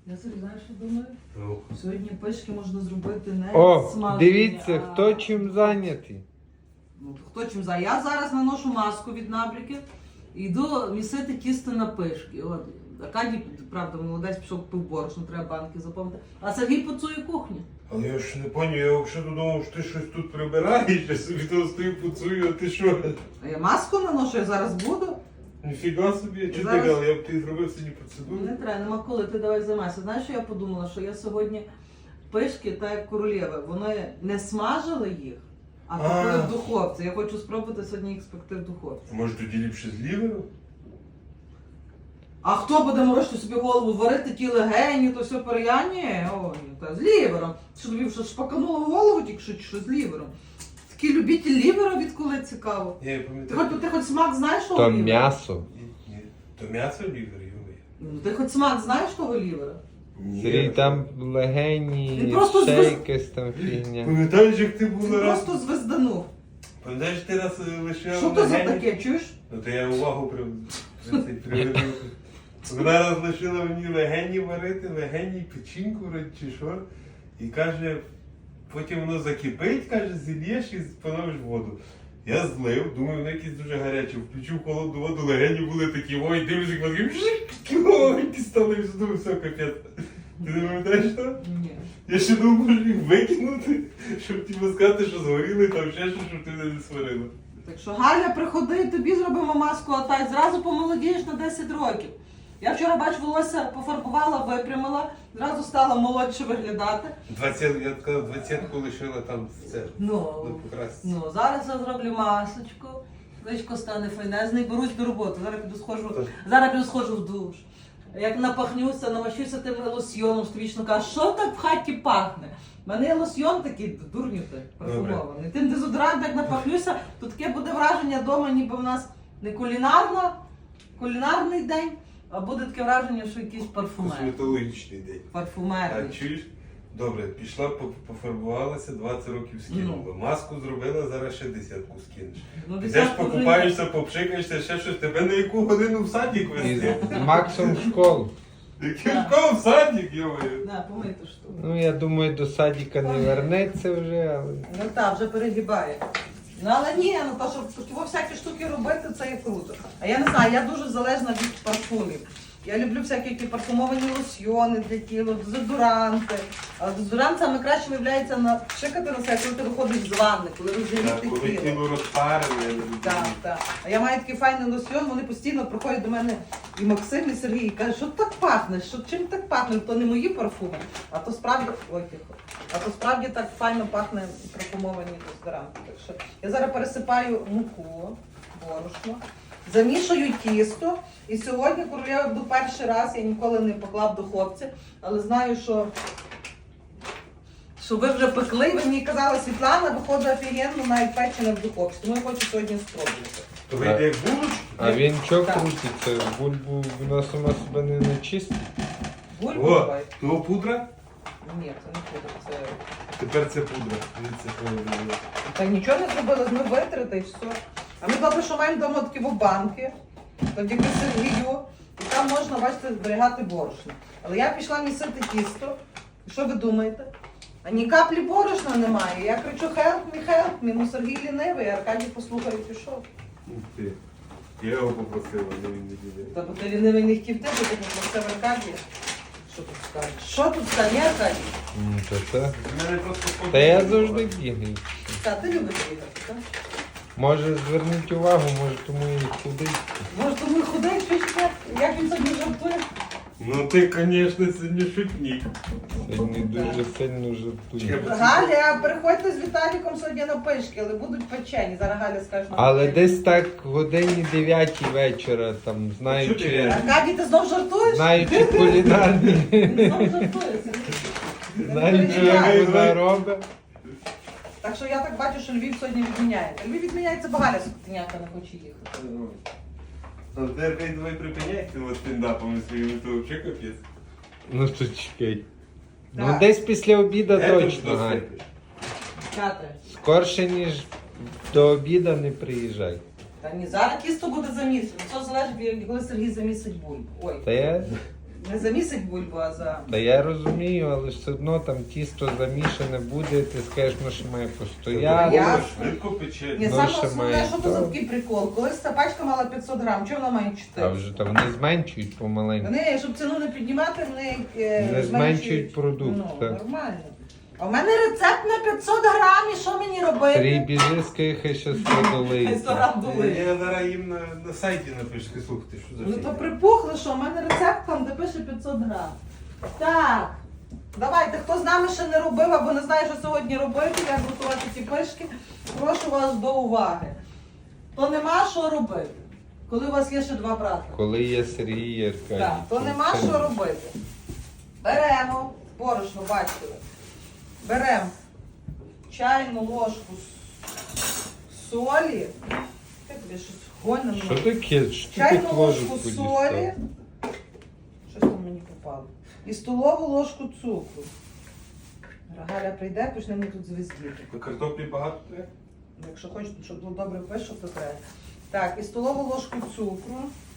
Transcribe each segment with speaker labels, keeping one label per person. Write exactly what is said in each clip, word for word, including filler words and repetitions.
Speaker 1: Я собі, знаєш, що думаю?
Speaker 2: Ну.
Speaker 1: Сьогодні пишки можна зробити не
Speaker 3: О,
Speaker 1: смажені,
Speaker 3: дивіться,
Speaker 1: а...
Speaker 3: хто чим зайнятий.
Speaker 1: Ну, хто чим за? Я зараз наношу маску від набряків і йду місити тісто на пишки. От. Аркадій, правда, молодець, пішов пив борошно, треба банки заповнити. А Сергій поцує кухню.
Speaker 2: Але я ж не поняв, я взагалі думав, що ти щось тут прибираєш, я собі то стою поцую, а ти що?
Speaker 1: А я маску наношу, я зараз буду.
Speaker 2: Ніфіга собі, чи
Speaker 1: Зараз-
Speaker 2: ти гал, я б ти зробив сьогодні процедуру.
Speaker 1: Не треба, нема коли, ти давай займайся. Знаєш, що я подумала, що я сьогодні пишки, так як королеви, вони не смажили їх, а пекли
Speaker 2: А.
Speaker 1: в духовці. Я хочу спробувати сьогодні їх спекти в духовці.
Speaker 2: А може тоді ліпше з лівером?
Speaker 1: А хто буде морочити собі голову, варити ті легені, то все переяння? Ой, та з лівером. Що тобі що шпакануло в голову тільки що, чи що з лівером? Такі любитель лівера, відколи цікаво.
Speaker 2: Я
Speaker 1: Ти
Speaker 2: пам'ятаю.
Speaker 1: хоч, ти хоч смак знаєш того
Speaker 3: То
Speaker 1: лівера?
Speaker 3: м'ясо.
Speaker 2: Ні, ні. То м'ясо лівер, йомий.
Speaker 1: Ну, ти хоч смак знаєш того лівера?
Speaker 3: Сергій, там легені,
Speaker 1: Він просто
Speaker 3: ще
Speaker 1: звез-
Speaker 3: якась там фігня.
Speaker 2: Пам'ятаєш, як ти
Speaker 1: Він
Speaker 2: був раз?
Speaker 1: просто звезданув.
Speaker 2: Пам'ятаєш, ти раз е, лишив
Speaker 1: Що то за
Speaker 2: легені?
Speaker 1: таке, чуєш?
Speaker 2: Ну то я увагу при... при цей привернув. Вона раз лишила мені легені варити, легені, печінку вроді чи що. І каже, потім воно закипить, каже, зільєш і поновиш воду. Я злив, думаю, воно якесь дуже гаряче. Включив холодну воду, легені були такі, ой, дивлюсь, як вони такі маленькі стали, і думаю, все, капець. Ти не пам'ятаєш що?
Speaker 1: Ні.
Speaker 2: Я ще думав, може їх викинути, щоб тобі сказати, що згоріли, там ще щось, щоб ти не сварила.
Speaker 1: Так що, Галя, приходи, тобі зробимо маску, а та й зразу помолодієш на десять років. Я вчора, бач, волосся пофарбувала, випрямила, зразу стала молодше виглядати.
Speaker 2: Двадцять, я сказав, двадцятку лишила там в це.
Speaker 1: Ну,
Speaker 2: Ну, покраситься.
Speaker 1: ну, зараз я зроблю масочку, личко стане файнезний, берусь до роботи. Зараз піду схожу, зараз піду схожу в душ. Як напахнюся, намащуся тим лосьйоном, що вічно кажу, що так в хаті пахне? У мене є лосьйон такий, дурню ти, парфумований. Тим дезодорантом, як напахнюся, то таке буде враження вдома, ніби в нас не кулінарно, кулінарний день, а буде таке враження, що якийсь парфумер.
Speaker 2: Косметологічний день. А
Speaker 1: Парфумерний.
Speaker 2: чуєш? Добре, пішла, по- пофарбувалася, двадцять років скинула. Маску зробила, зараз ще десятку скинеш.
Speaker 1: Ну,
Speaker 2: Підеш,
Speaker 1: десятку вже
Speaker 2: покупаєшся, попшикаєшся, ще щось. Тебе на яку годину в садик
Speaker 3: І
Speaker 2: везти?
Speaker 3: з Максом в школу.
Speaker 2: Який школ в садик, йомаю.
Speaker 1: На, помий ту штуку.
Speaker 3: Ну, я думаю, до садика не вернеться вже, але...
Speaker 1: Ну так, вже перегибає. Ну але ні, ну то, щоб такі всякі штуки робити, це є круто. А я не знаю, я дуже залежна від парфумів. Я люблю всякі які парфумовані лосьйони для тіла, дезодоранти. А дезодорант саме краще виявляється на пшикати на себе, коли ти виходиш з ванни, коли
Speaker 2: Так,
Speaker 1: розігріти
Speaker 2: коли
Speaker 1: тіло.
Speaker 2: тіло розпарене, я не люблю.
Speaker 1: Так, так. А я маю такий файний лосьйон, вони постійно приходять до мене і Максим, і Сергій, і кажуть, що так пахне, що чим так пахне? То не мої парфуми, а то справді, ой, тихо, а то справді так файно пахне парфумовані дезодоранти. Так що я зараз пересипаю муку, борошно, замішую тісто. І сьогодні, коли я йду перший раз, я ніколи не поклав в духовці, але знаю, що що ви вже пекли, ви мені казали, Світлана, виходить офігенно, навіть печене в духовці. Тому я хочу сьогодні спробувати.
Speaker 2: То вийде як булочки.
Speaker 3: А він чого
Speaker 1: Так.
Speaker 3: крутиться? Бульбу вона сама себе не начистить.
Speaker 1: Бульбу
Speaker 2: О,
Speaker 1: давай.
Speaker 2: того пудра?
Speaker 1: Ні, це не пудра, це...
Speaker 2: Тепер це пудра. Дивіться, що я роблю.
Speaker 1: Так нічого не зробили, ми витрати і все. А ми добре, що маємо вдома такі банки, завдяки Сергію, і там можна, бачите, зберігати борошно. Але я пішла місити тісто, і що ви думаєте? А ні каплі борошна немає. Я кричу help me, help me, ну Сергій лінивий, а Аркадій послухав і пішов.
Speaker 2: Ух ти. Я його попросив, але він не діде.
Speaker 1: Та бо ти лінивий не хотів ти, бо ти попросив Аркадія. Що тут скажеш? Що тут скажеш, ні, Аркадій?
Speaker 3: Ну, то це.
Speaker 2: В мене просто
Speaker 3: Та я завжди бігаю.
Speaker 1: Та, ти любиш бігати, так?
Speaker 3: Може, зверніть увагу, може тому і худий.
Speaker 1: Може, тому і худий, що ще? Як він сьогодні жартує?
Speaker 2: Ну ти, звісно, сьогодні шутник.
Speaker 3: Сьогодні дуже сильно жартую.
Speaker 1: Галя, приходьте з Віталіком сьогодні на пишки, але будуть печені. Зараз Галя скаже нам.
Speaker 3: Але
Speaker 1: печені.
Speaker 3: десь так годині дев'ятій вечора, там,
Speaker 2: Що ти
Speaker 3: знаючи,
Speaker 2: кажеш?
Speaker 1: Аркадій, ти знов жартуєш?
Speaker 3: знаючи кулінарні,
Speaker 1: Він знов жартує.
Speaker 3: знаючи, як вона робить.
Speaker 1: Так що я так бачу, що Львів сьогодні відміняється. Львів відміняється, бо Галя скотиняка не хоче їхати.
Speaker 2: Ну, ти, Аркадій, давай припиняй цими стендапами своїми, то взагалі капець.
Speaker 3: Ну то чекай. Ну
Speaker 1: Так.
Speaker 3: десь після обіда
Speaker 2: Е,
Speaker 3: точно,
Speaker 2: тут
Speaker 3: Галь.
Speaker 2: досипиш.
Speaker 1: Катре.
Speaker 3: Скорше, ніж до обіда не приїжджай.
Speaker 1: Та ні, зараз тісто буде замісити. Все залежить, від- коли Сергій замісить бульбу. Ой.
Speaker 3: Та я
Speaker 1: Не замісить бульбу, а за...
Speaker 3: Та я розумію, але ж все одно там тісто замішане буде, ти скажеш, ну що має постояти.
Speaker 1: Я-
Speaker 2: Воно швидко пече.
Speaker 1: Ні,
Speaker 3: Ну,
Speaker 1: саме
Speaker 3: ще
Speaker 1: основне,
Speaker 3: має
Speaker 1: що це за
Speaker 3: то.
Speaker 1: такий прикол. Колись ця пачка мала п'ятсот грам, чого вона має
Speaker 3: А
Speaker 1: чотири?
Speaker 3: вже там вони зменшують помаленьку.
Speaker 1: Вони, щоб ціну не піднімати, вони е,
Speaker 3: Не зменшують продукт,
Speaker 1: Ну,
Speaker 3: так.
Speaker 1: нормально. А в мене рецепт на п'ятсот грам, і що мені робити?
Speaker 3: Сергій, біжи, скажи, хай ще сто
Speaker 1: Хай сто
Speaker 3: долиється.
Speaker 1: грам долить.
Speaker 2: Я зараз їм на, на сайті напишу, слухайте, що за
Speaker 1: Ну
Speaker 2: фігня.
Speaker 1: то припухло, що в мене рецепт там, де пише п'ятсот грам. Так, давайте, хто з нами ще не робив або не знає, що сьогодні робити, як готувати ті пишки, прошу вас до уваги. То нема що робити, коли у вас є ще два брата.
Speaker 3: Коли є Сергій і Аркадій.
Speaker 1: Так, то нема що робити. Беремо борошно, бачили. Беремо чайну ложку с- солі. Я тобі щось гонено.
Speaker 3: Що таке? Що ти
Speaker 1: Чайну
Speaker 3: тут
Speaker 1: ложку
Speaker 3: ложку
Speaker 1: солі. Щось там мені попало. І столову ложку цукру. Галя прийде, почне мені тут звездіти.
Speaker 2: Картоплі багато треба?
Speaker 1: Якщо хочете, щоб було добре пишу, то треба. Так, і столову ложку цукру.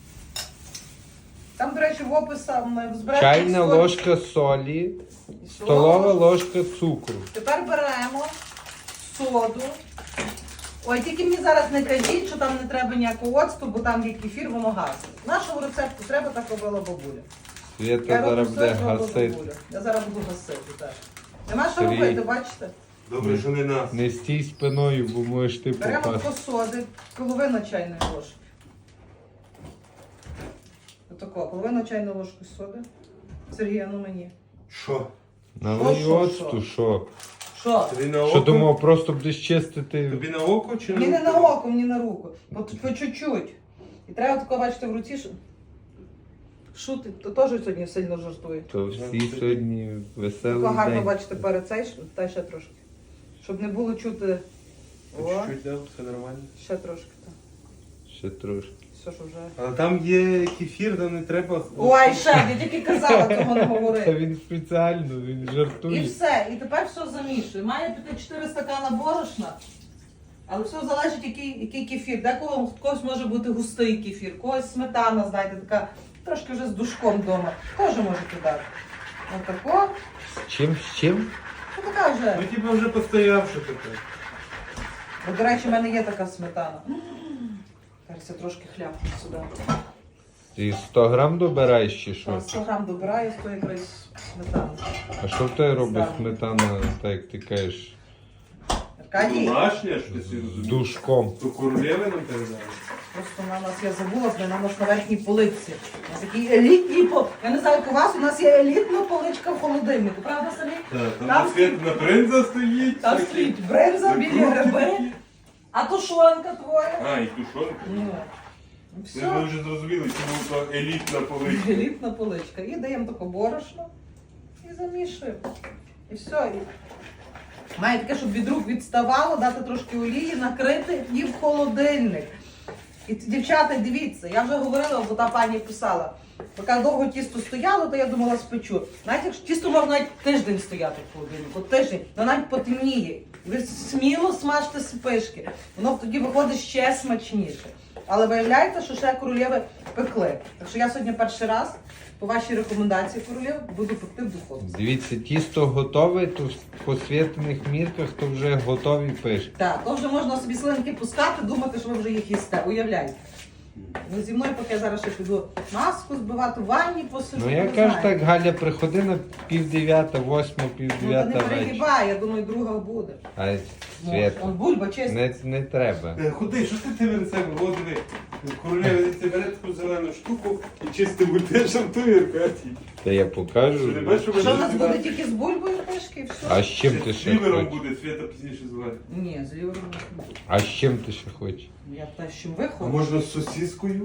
Speaker 1: Там, до речі, в описах в збереженні
Speaker 3: Чайна
Speaker 1: солі.
Speaker 3: ложка солі,
Speaker 1: І
Speaker 3: столова
Speaker 1: ложка.
Speaker 3: ложка цукру.
Speaker 1: Тепер беремо соду. Ой, тільки мені зараз не кажіть, що там не треба ніякого оцту, бо там є кефір, воно гасить. Нашому рецепту треба, так робила бабуля.
Speaker 3: Свята
Speaker 1: Я роблю
Speaker 3: зараз
Speaker 1: все,
Speaker 3: буде
Speaker 1: що робила
Speaker 3: гасити.
Speaker 1: бабуля. Я зараз буду гасити, так. Нема що
Speaker 3: Сергій.
Speaker 1: робити, бачите?
Speaker 2: Добре, що не нас.
Speaker 3: Не стій спиною, бо можеш ти
Speaker 1: Беремо
Speaker 3: попасти.
Speaker 1: тако соди, половина чайної ложки. Отако, половина чайної ложки соди. Сергій, а ну мені.
Speaker 2: Що?
Speaker 3: Налий
Speaker 1: Що, що,
Speaker 3: оцту, що?
Speaker 1: Що?
Speaker 2: Тобі на око?
Speaker 3: Що думав, просто будеш чистити.
Speaker 2: Тобі на око чи
Speaker 1: Мені не на око, мені на руку. По, по чуть-чуть. І треба тако бачити в руці, що... Шути, то теж сьогодні сильно жартує.
Speaker 3: То всі сьогодні веселий
Speaker 1: Тако гарно
Speaker 3: день.
Speaker 1: бачите перед цей, та ще трошки. Щоб не було чути. О,
Speaker 2: Чуть-чуть дав, все нормально.
Speaker 1: ще трошки. Так.
Speaker 3: Ще трошки.
Speaker 1: Все, що вже.
Speaker 2: Але там є кефір, там не треба.
Speaker 1: Ой, ще, я тільки казала, цього не
Speaker 3: Та
Speaker 1: говорити.
Speaker 3: він спеціально, він
Speaker 1: І
Speaker 3: жартує.
Speaker 1: все, і тепер все замішує. Має піти чотири стакана борошна, але все залежить, який, який кефір. Декого в когось може бути густий кефір, в когось сметана, знаєте, така трошки вже з душком вдома. Теж можете дати. Отако.
Speaker 3: З чим, з чим?
Speaker 1: Ну така вже.
Speaker 2: Ну типу вже постоявши таке.
Speaker 1: От, до речі, в мене є така сметана. Зараз я трошки хляпну сюди.
Speaker 3: Ти сто грам добираєш чи що?
Speaker 1: Там сто грам добираю, сто якраз сметану.
Speaker 3: А що в тебе робить
Speaker 1: Сам.
Speaker 3: сметана, так як ти кажеш,
Speaker 1: Аркадій,
Speaker 2: Домашня, що ти собі
Speaker 3: з
Speaker 2: розумієш?
Speaker 3: душком?
Speaker 2: То королеви нам передали.
Speaker 1: просто на нас, я забула, блин, на нас на верхній полиці. У нас такі елітні по. Я не знаю, як у вас, у нас є елітна поличка в холодильнику, правда, самі?
Speaker 2: Так, там
Speaker 1: Там
Speaker 2: на світ на принца стоїть.
Speaker 1: Там
Speaker 2: всякі.
Speaker 1: стоїть бринза, білі гриби, а тушонка твоя.
Speaker 2: А, і тушонка.
Speaker 1: Ну,
Speaker 2: Ми
Speaker 1: все.
Speaker 2: вже зрозуміли, чому то елітна поличка.
Speaker 1: Елітна поличка. І даємо таке борошно і замішуємо. І все. І... Має таке, щоб від рук відставало, дати трошки олії, накрити і в холодильник. І ці- дівчата, дивіться, я вже говорила, бо та пані писала, поки довго тісто стояло, то я думала спечу. Навіть якщо тісто може навіть тиждень стояти в холодильнику, тиждень, воно навіть потемніє. І ви сміло смажте спишки. Воно тоді виходить ще смачніше. Але виявляється, що ще королєви пекли. Так що я сьогодні перший раз, по вашій рекомендації королєв, буду пекти в духовці.
Speaker 3: Дивіться, тісто готове, то в посвітлених мірках то вже готові пишки.
Speaker 1: Так, то вже можна собі слинки пускати, думати, що ви вже їх їсте. Уявляєте. Ну, зі мною, поки я зараз ще піду маску збивати, в ванні посижу.
Speaker 3: Ну я
Speaker 1: не
Speaker 3: кажу
Speaker 1: знаю.
Speaker 3: так, Галя, приходи на пів дев'ята, восьма, пів
Speaker 1: Ну, та не
Speaker 3: дев'ята вечора.
Speaker 1: перегибай, я думаю, друга буде.
Speaker 3: А
Speaker 1: Ну,
Speaker 3: Свята,
Speaker 1: он бульба чиста.
Speaker 3: не, не треба.
Speaker 2: Е, Ходи, що ти тебе рецепт водили? Королева це бере таку зелену штуку і чисто буде жартує, Аркадій.
Speaker 3: Та я
Speaker 2: Що
Speaker 3: покажу.
Speaker 2: не бачиш, що
Speaker 1: А що в нас
Speaker 2: буде
Speaker 1: буде тільки з бульбою пишки і все?
Speaker 3: А з чим ти
Speaker 2: з
Speaker 3: ще
Speaker 2: лівером
Speaker 3: хочеш?
Speaker 2: буде, Свята пізніше звати.
Speaker 1: Ні, з лівером не буде.
Speaker 3: А з чим ти ще хочеш?
Speaker 1: Я те, з чим ви
Speaker 2: А
Speaker 1: хочете.
Speaker 2: можна з сосіскою?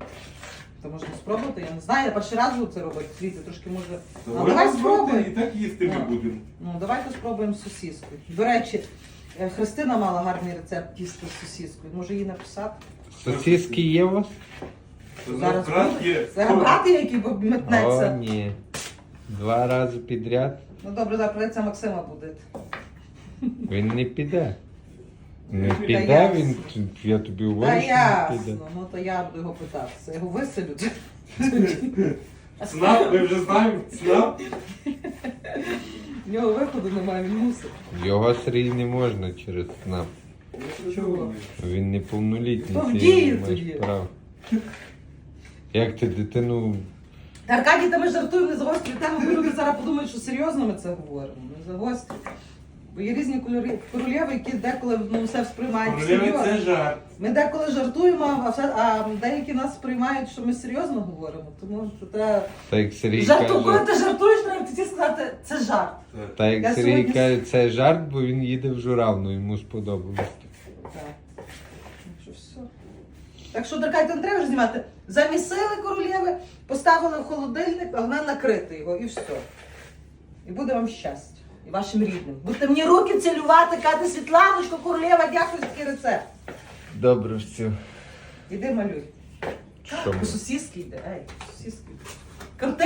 Speaker 1: То можна спробувати, я не знаю, я перший раз буду це робити. Дивіться, трошки може. Ну,
Speaker 2: Давай
Speaker 1: давай
Speaker 2: спробуй,
Speaker 1: спробуємо.
Speaker 2: і так їсти ми
Speaker 1: Ну.
Speaker 2: будемо.
Speaker 1: Ну, давайте спробуємо з сосіскою. До речі, е, Христина мала гарний рецепт тіста з сосіскою. Може її написати?
Speaker 3: Сосиски є у вас?
Speaker 2: То
Speaker 1: Зараз
Speaker 2: брат
Speaker 1: буде.
Speaker 2: є.
Speaker 1: Зараз брати, який
Speaker 3: О,
Speaker 1: метнеться.
Speaker 3: ні. Два рази підряд.
Speaker 1: Ну добре, зараз придеться Максима буде.
Speaker 3: Він не піде. Не
Speaker 2: Та
Speaker 3: піде,
Speaker 1: ясно.
Speaker 3: він, я тобі
Speaker 1: Та
Speaker 3: говорю, що не піде.
Speaker 1: ясно, ну то я буду його питатися. Я його виселю.
Speaker 2: ЦНАП, ми вже знаємо, ЦНАП.
Speaker 1: В нього виходу немає, він мусить.
Speaker 3: Його Сергій не можна через СНАП.
Speaker 1: Чого?
Speaker 3: Він неповнолітній.
Speaker 1: То в
Speaker 3: ти
Speaker 1: дії
Speaker 3: не маєш
Speaker 1: тоді.
Speaker 3: права. Як ти дитину.
Speaker 1: Та, Аркадій, та ми жартуємо, не загострюй тему, бо люди зараз подумають, що серйозно ми це говоримо. Не загострюй. Бо є різні кольори- королеви, які деколи ну, все сприймають
Speaker 2: Королева,
Speaker 1: серйозно.
Speaker 2: це жарт.
Speaker 1: Ми деколи жартуємо, а, все, а деякі нас сприймають, що ми серйозно говоримо. Тому це треба.
Speaker 3: Та як Сергій
Speaker 1: Жарту, коли
Speaker 3: каже,
Speaker 1: ти жартуєш, треба тоді сказати, це жарт.
Speaker 3: та як
Speaker 1: Я
Speaker 3: Сергій
Speaker 1: сьогодні-
Speaker 3: каже, це жарт, бо він їде в Журавну, йому сподобалось.
Speaker 1: Так. Так що все. Так що, Даркай, то не треба вже знімати. Замісили королеви, поставили в холодильник, а вона накрити його і все. І буде вам щастя. І вашим рідним. Будете мені руки цілювати, казати, Світланочко, королева, дякую за такий рецепт.
Speaker 3: Добре, все.
Speaker 1: Іди малюй.
Speaker 3: Що ми?
Speaker 1: По сусідськи йде, ей, по сусідськи йде. Крути